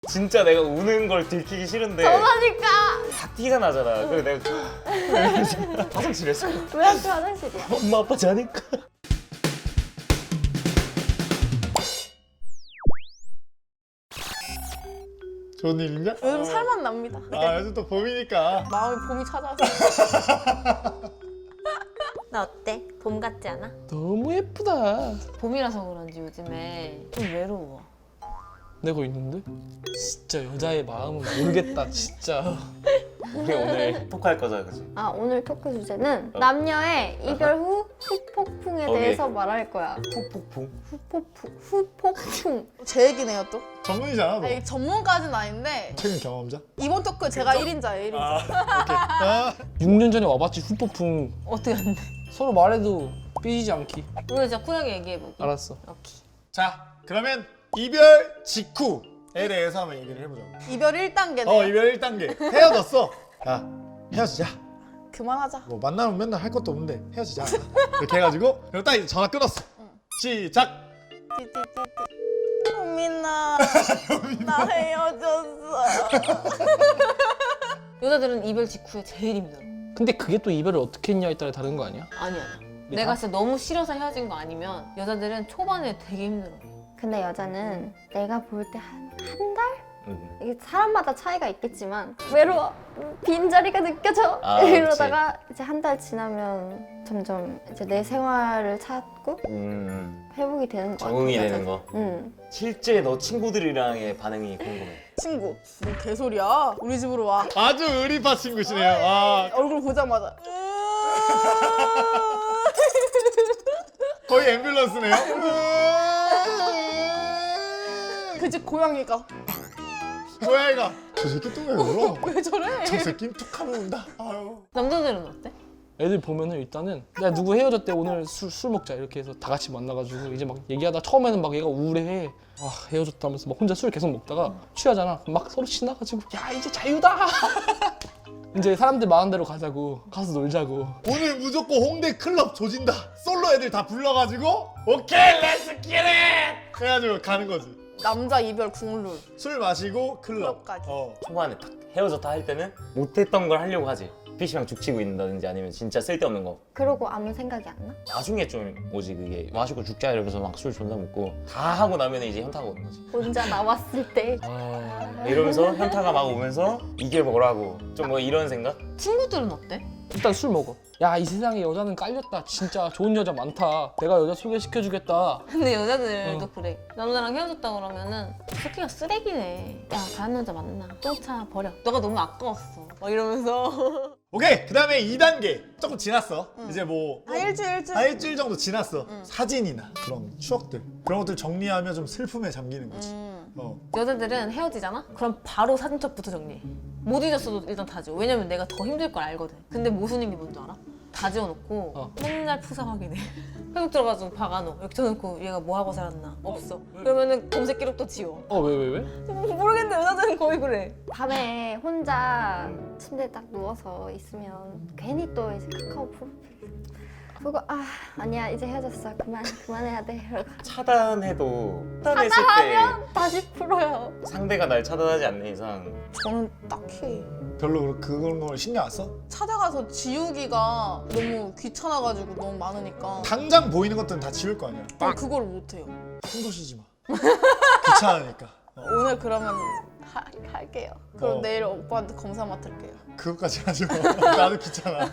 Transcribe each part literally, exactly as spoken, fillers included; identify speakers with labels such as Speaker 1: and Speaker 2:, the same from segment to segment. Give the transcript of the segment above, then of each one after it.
Speaker 1: 진짜 내가 우는 걸 들키기 싫은데
Speaker 2: 전화니까.
Speaker 1: 다 티가 나잖아. 그래서 내가 화장실에서
Speaker 2: 왜 학교 화장실이야?
Speaker 1: 엄마 아빠 자니까.
Speaker 3: 좋은 일인가?
Speaker 4: 요즘 살만 납니다.
Speaker 3: 아 요즘 또 봄이니까.
Speaker 4: 마음이 봄이 찾아왔어.
Speaker 2: 나 어때? 봄 같지 않아?
Speaker 5: 너무 예쁘다.
Speaker 2: 봄이라서 그런지 요즘에 좀 외로워.
Speaker 5: 내가 있는데? 진짜 여자의 마음은 모르겠다 진짜.
Speaker 1: 우리 오늘 토크할 거잖아, 그치?
Speaker 2: 아, 오늘 토크 주제는
Speaker 1: 어.
Speaker 2: 남녀의 이별 후 후폭풍에
Speaker 1: 오케이.
Speaker 2: 대해서 말할 거야.
Speaker 1: 폭폭풍.
Speaker 2: 후폭풍. 후폭풍.
Speaker 4: 제 얘기네요 또.
Speaker 3: 전문이잖아 너.
Speaker 4: 아니, 전문까지는 아닌데
Speaker 3: 최근 경험자?
Speaker 4: 이번 토크 제가 일 인자예요. 일 인자.
Speaker 3: 아,
Speaker 5: 육 년 전에 와봤지 후폭풍.
Speaker 2: 어떻게 안 돼?
Speaker 5: 서로 말해도 삐지지 않기.
Speaker 2: 오늘 진짜 쿨하게 얘기해볼게.
Speaker 5: 알았어.
Speaker 2: 오케이.
Speaker 3: 자 그러면 이별 직후에 대해서 한번 얘기를 해보자고.
Speaker 4: 이별 일 단계네요.
Speaker 3: 어 이별 일 단계 헤어졌어. 야 헤어지자.
Speaker 4: 그만하자.
Speaker 3: 뭐 만나면 맨날 할 것도 없는데 헤어지자. 이렇게 해가지고 그리고 딱 이제 전화 끊었어. 시작.
Speaker 4: 띠띠띠띠. 효민아. 나 헤어졌어.
Speaker 2: 여자들은 이별 직후에 제일 힘들어.
Speaker 5: 근데 그게 또 이별을 어떻게 했냐에 따라 다른 거 아니야?
Speaker 2: 아니야. 내가 진짜 너무 싫어서 헤어진 거 아니면 여자들은 초반에 되게 힘들어. 근데 여자는 내가 볼 때 한 한 달?
Speaker 1: 응.
Speaker 2: 이게 사람마다 차이가 있겠지만 외로워. 빈자리가 느껴져.
Speaker 1: 아,
Speaker 2: 이러다가 이제 한 달 지나면 점점 이제 내 생활을 찾고
Speaker 1: 음,
Speaker 2: 회복이 되는 거
Speaker 1: 적응이
Speaker 2: 같아,
Speaker 1: 되는
Speaker 2: 여자들.
Speaker 1: 거.
Speaker 2: 응.
Speaker 1: 실제 너 친구들이랑의 반응이 궁금해.
Speaker 4: 친구. 뭐 개소리야. 우리 집으로 와.
Speaker 3: 아주 의리파 친구시네요. 아
Speaker 4: 얼굴 보자마자.
Speaker 3: 거의 앰뷸런스네요.
Speaker 4: 그 집 고양이가
Speaker 3: 고양이가 저 새끼 또 왜 울어?
Speaker 4: 왜 저래?
Speaker 3: 저 새끼 툭하면 운다. 아유.
Speaker 2: 남자들은 어때?
Speaker 5: 애들 보면은 일단은 내가 누구 헤어졌대 오늘 술, 술 먹자 이렇게 해서 다 같이 만나가지고 이제 막 얘기하다 처음에는 막 얘가 우울해해. 아 헤어졌다 하면서 막 혼자 술 계속 먹다가 취하잖아. 막 서로 신나가지고 야 이제 자유다. 이제 사람들 마음대로 가자고 가서 놀자고.
Speaker 3: 오늘 무조건 홍대 클럽 조진다. 솔로 애들 다 불러가지고 오케이 렛츠 기릿 해가지고 가는 거지.
Speaker 4: 남자 이별 국룰.
Speaker 3: 술 마시고 클럽.
Speaker 4: 클럽까지.
Speaker 3: 어.
Speaker 1: 초반에 딱 헤어졌다 할 때는 못했던 걸 하려고 하지. 피시방 죽치고 있는다든지 아니면 진짜 쓸데없는 거.
Speaker 2: 그러고 아무 생각이 안 나?
Speaker 1: 나중에 좀 오지 그게. 마시고 죽자 이러면서 막 술 존나 먹고 다 하고 나면 이제 현타가 오는 거지.
Speaker 2: 혼자 나왔을 때
Speaker 5: 아
Speaker 1: 이러면서 현타가 막 오면서 이게 뭐라고 좀 뭐 이런 생각?
Speaker 2: 친구들은 어때?
Speaker 5: 일단 술 먹어. 야 이 세상에 여자는 깔렸다. 진짜 좋은 여자 많다. 내가 여자 소개시켜주겠다.
Speaker 2: 근데 여자들도
Speaker 5: 어.
Speaker 2: 그래. 남자랑 헤어졌다 그러면은 새끼가 쓰레기네. 야 다른 여자 만나. 똥차 버려. 너가 너무 아까웠어. 막 이러면서.
Speaker 3: 오케이 그 다음에 이 단계 조금 지났어. 이제 뭐
Speaker 4: 한 일주일 일주일.
Speaker 3: 한 일주일 정도 지났어. 사진이나 그런 추억들 그런 것들 정리하면 좀 슬픔에 잠기는 거지.
Speaker 4: 음.
Speaker 3: 어.
Speaker 2: 여자들은 헤어지잖아? 그럼 바로 사진첩부터 정리해. 못 잊었어도 일단 다 지워. 왜냐면 내가 더 힘들 걸 알거든. 근데 무슨 일이 뭔지 알아? 다 지워놓고
Speaker 5: 어.
Speaker 2: 맨날 푸사 확인해. 회복 들어가지고 박아놓어. 여기 쳐놓고 얘가 뭐 하고 살았나? 없어. 그러면은 검색 기록도 지워.
Speaker 5: 어 왜 왜 왜?
Speaker 2: 모르겠는데 여자들은 거의 그래. 밤에 혼자 침대에 딱 누워서 있으면 괜히 또 이제 카카오 프로필 보고 아 아니야 이제 헤어졌어 그만 그만해야 돼 이러고
Speaker 1: 차단해도 차단했을
Speaker 2: 다시 풀어요.
Speaker 1: 때 상대가 날 차단하지 않는 이상
Speaker 4: 저는 딱히
Speaker 3: 별로 그런 걸 신경 안 써?
Speaker 4: 찾아가서 지우기가 너무 귀찮아가지고 너무 많으니까
Speaker 3: 당장 보이는 것들은 다 지울 거 아니야.
Speaker 4: 난 그걸 못해요.
Speaker 3: 손도 쉬지 마. 귀찮으니까. 어.
Speaker 4: 오늘 그러면 하, 할게요. 그럼
Speaker 3: 어.
Speaker 4: 내일 오빠한테 검사 맡을게요.
Speaker 3: 그것까지 하지 마. 나도 귀찮아.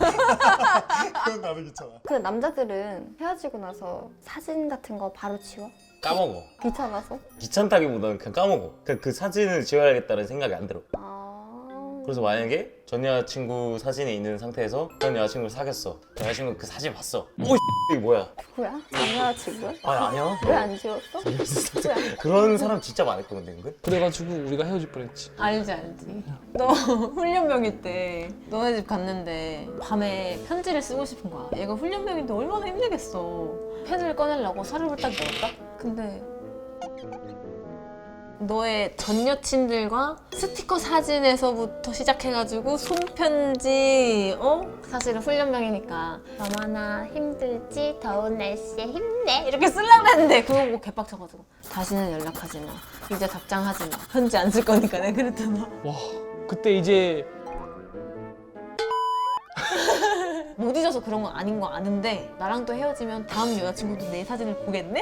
Speaker 3: 그건 나도 귀찮아.
Speaker 2: 그 남자들은 헤어지고 나서 사진 같은 거 바로 지워?
Speaker 1: 까먹어.
Speaker 2: 귀찮아서?
Speaker 1: 귀찮다기보다는 그냥 까먹어. 그, 그 사진을 지워야겠다는 생각이 안 들어.
Speaker 2: 아...
Speaker 1: 그래서 만약에 전 여자친구 사진이 있는 상태에서 전 여자친구를 사귀었어. 전 여자친구 그 사진 봤어. 오 이게 뭐야?
Speaker 2: 누구야? 남자친구야?
Speaker 1: 아 아니야.
Speaker 2: 왜 안 지웠어? 왜?
Speaker 1: 그런 사람 진짜 많았거든 은근.
Speaker 5: 그래가지고 우리가 헤어질 뻔했지.
Speaker 2: 알지 알지. 너 훈련병일 때 너네 집 갔는데 밤에 편지를 쓰고 싶은 거야. 얘가 훈련병인데 얼마나 힘들겠어. 펜을 꺼내려고 서류를 딱 열었다? 근데
Speaker 6: 너의 전 여친들과 스티커 사진에서부터 시작해가지고 손편지, 어? 사실은 훈련병이니까 너무나 힘들지, 더운 날씨에 힘내 이렇게 쓰려고 했는데 그거 보고 개빡쳐가지고 다시는 연락하지 마, 이제 답장하지 마, 편지 안 쓸 거니까 내가 그랬잖아.
Speaker 5: 와 그때 이제
Speaker 6: 못 잊어서 그런 건 아닌 거 아는데 나랑 또 헤어지면 다음 여자친구도 내 사진을 보겠네?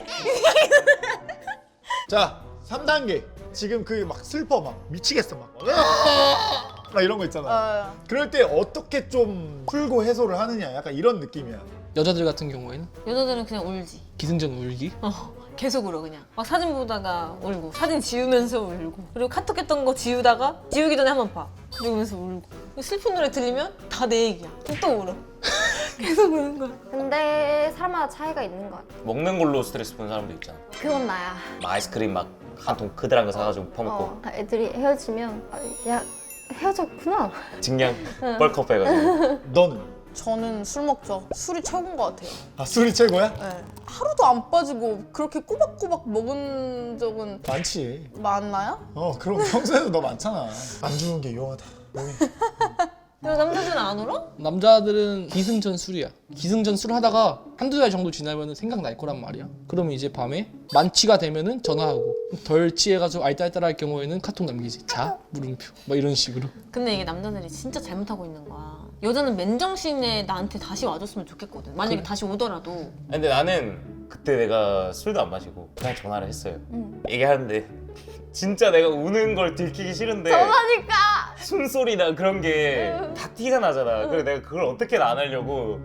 Speaker 3: 자, 삼 단계. 지금 그 막 슬퍼 막 미치겠어 막. 막 이런 거 있잖아.
Speaker 4: 어,
Speaker 3: 그럴 때 어떻게 좀 풀고 해소를 하느냐 약간 이런 느낌이야.
Speaker 5: 여자들 같은 경우에는
Speaker 6: 여자들은 그냥 울지.
Speaker 5: 기승전 울기.
Speaker 6: 어, 계속 울어 그냥. 막 사진 보다가 울고, 사진 지우면서 울고, 그리고 카톡 했던 거 지우다가 지우기 전에 한번 봐. 그러면서 울고. 슬픈 노래 들리면 다 내 얘기야. 또 울어. 계속 우는 거야.
Speaker 2: 근데 사람마다 차이가 있는 것 같아.
Speaker 1: 먹는 걸로 스트레스 푸는 사람도 있잖아.
Speaker 2: 그건 나야.
Speaker 1: 막 아이스크림 막 한 통 그들한 거 사가지고 퍼먹고
Speaker 2: 어, 애들이 헤어지면 아, 야 헤어졌구나.
Speaker 1: 증량 뻘컵 해가지고.
Speaker 3: 너는?
Speaker 4: 저는 술 먹죠. 술이 최고인 것 같아요.
Speaker 3: 아 술이 최고야?
Speaker 4: 네. 하루도 안 빠지고 그렇게 꼬박꼬박 먹은 적은
Speaker 3: 많지.
Speaker 4: 많나요?
Speaker 3: 어 그럼 평소에도 너 많잖아. 안 주는 게 유용하다. 너희.
Speaker 6: 근데 남자들은 안 울어?
Speaker 5: 남자들은 기승전 술이야. 기승전 술 하다가 한두 달 정도 지나면 생각날 거란 말이야. 그러면 이제 밤에 만취가 되면은 전화하고, 덜 취해가지고 알딸딸할 경우에는 카톡 남기지. 자? 물음표. 막 이런 식으로.
Speaker 6: 근데 이게 남자들이 진짜 잘못하고 있는 거야. 여자는 맨정신에 나한테 다시 와줬으면 좋겠거든. 만약에
Speaker 5: 그래.
Speaker 6: 다시 오더라도.
Speaker 1: 근데 나는 그때 내가 술도 안 마시고 그냥 전화를 했어요.
Speaker 2: 응.
Speaker 1: 얘기하는데 진짜 내가 우는 걸 들키기 싫은데
Speaker 2: 전화니까.
Speaker 1: 숨소리나 그런 게 다 티가 나잖아. 그래서 내가 그걸 어떻게 안 하려고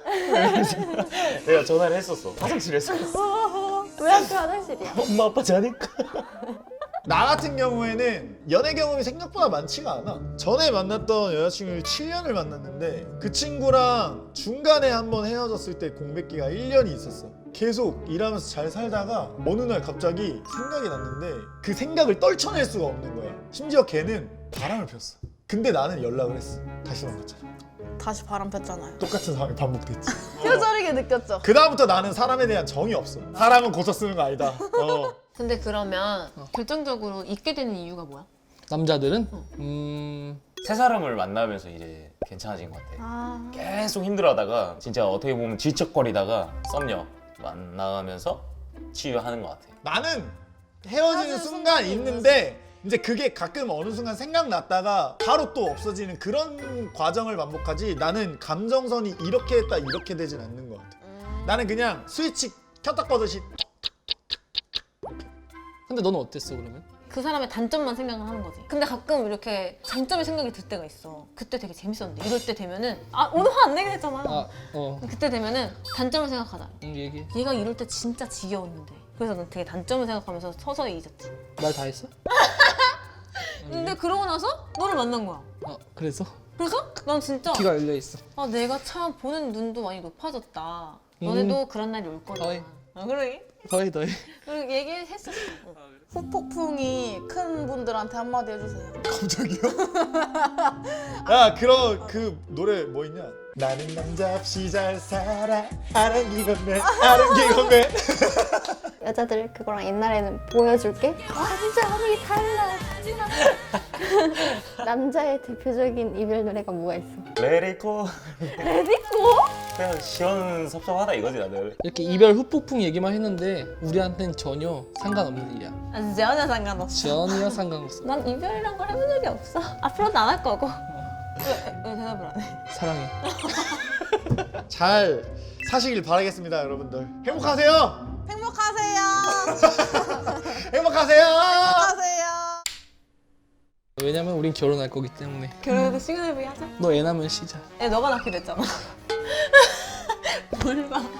Speaker 1: 내가 전화를 했었어. 화장실에서.
Speaker 2: 왜 학교 화장실이야?
Speaker 1: 엄마 아빠 자니까.
Speaker 3: 나 같은 경우에는 연애 경험이 생각보다 많지가 않아. 전에 만났던 여자친구를 칠 년을 만났는데 그 친구랑 중간에 한번 헤어졌을 때 공백기가 일 년이 있었어. 계속 일하면서 잘 살다가 어느 날 갑자기 생각이 났는데 그 생각을 떨쳐낼 수가 없는 거야. 심지어 걔는 바람을 폈어. 근데 나는 연락을 했어. 다시 만났잖아.
Speaker 4: 다시 바람 폈잖아요.
Speaker 3: 똑같은 상황이 반복됐지.
Speaker 4: 뼈저리게 느꼈죠.
Speaker 3: 그 다음부터 나는 사람에 대한 정이 없어. 사람은 고쳐 쓰는 거 아니다. 어.
Speaker 6: 근데 그러면 결정적으로 잊게 되는 이유가 뭐야?
Speaker 5: 남자들은 음...
Speaker 1: 새 사람을 만나면서 이제 괜찮아진 것 같아.
Speaker 2: 아
Speaker 1: 계속 힘들어하다가 진짜 어떻게 보면 질척거리다가 썸녀 만나면서 치유하는 것 같아.
Speaker 3: 나는 헤어지는
Speaker 4: 헤어지는
Speaker 3: 순간
Speaker 4: 순간이
Speaker 3: 있는데 이제 그게 가끔 어느 순간 생각났다가 바로 또 없어지는 그런 과정을 반복하지. 나는 감정선이 이렇게 했다 이렇게 되진 않는 것 같아. 나는 그냥 스위치 켰다 꺼듯이.
Speaker 5: 근데 너는 어땠어 그러면?
Speaker 6: 그 사람의 단점만 생각을 하는 거지. 근데 가끔 이렇게 장점의 생각이 들 때가 있어. 그때 되게 재밌었는데 이럴 때 되면은 아 오늘 화 안 내긴 했잖아.
Speaker 5: 아, 어.
Speaker 6: 그때 되면은 단점을 생각하자.
Speaker 5: 응, 얘기해.
Speaker 6: 얘가 이럴 때 진짜 지겨웠는데. 그래서 난 되게 단점을 생각하면서 서서히 잊었지.
Speaker 5: 말 다 했어?
Speaker 6: 근데 그러고 나서 너를 만난 거야.
Speaker 5: 아, 그래서?
Speaker 6: 그래서 난 진짜
Speaker 5: 귀가 열려 있어.
Speaker 6: 아 내가 참 보는 눈도 많이 높아졌다. 너네도 그런 날이 올 거다.
Speaker 5: 어이.
Speaker 6: 아 그러게?
Speaker 5: 더해 더해.
Speaker 6: 그리고 얘기했었어.
Speaker 4: 후폭풍이 큰 분들한테 한마디 해주세요.
Speaker 3: 갑자기요? 야 그런 그 노래 뭐 있냐? 나는 남자 없이 잘 살아 아랑기 건네 아랑기 건네.
Speaker 2: 여자들 그거랑 옛날에는 보여줄게. 완전히 달라. 남자의 대표적인 이별 노래가 뭐가 있어?
Speaker 1: 레리코.
Speaker 2: 레디코?
Speaker 1: 그냥 시원섭섭하다 이거지 나는.
Speaker 5: 이렇게 이별 후폭풍 얘기만 했는데 우리한테는 전혀 상관없는 일이야.
Speaker 6: 아, 전혀 상관없어.
Speaker 5: 전혀 상관없어.
Speaker 6: 난 이별이란 걸 해본 적이 없어. 앞으로도 안 할 거고. 왜, 왜 대답을 안 해?
Speaker 5: 사랑해.
Speaker 3: 잘 사시길 바라겠습니다 여러분들. 행복하세요.
Speaker 4: 행복하세요.
Speaker 3: 행복하세요.
Speaker 4: 행복하세요.
Speaker 5: 왜냐면 우린 결혼할 거기 때문에.
Speaker 6: 결혼해도 시그널 브이 하자.
Speaker 5: 너 애 낳으면 시작.
Speaker 6: 애 너가 낳기로 했잖아. 뭘 봐.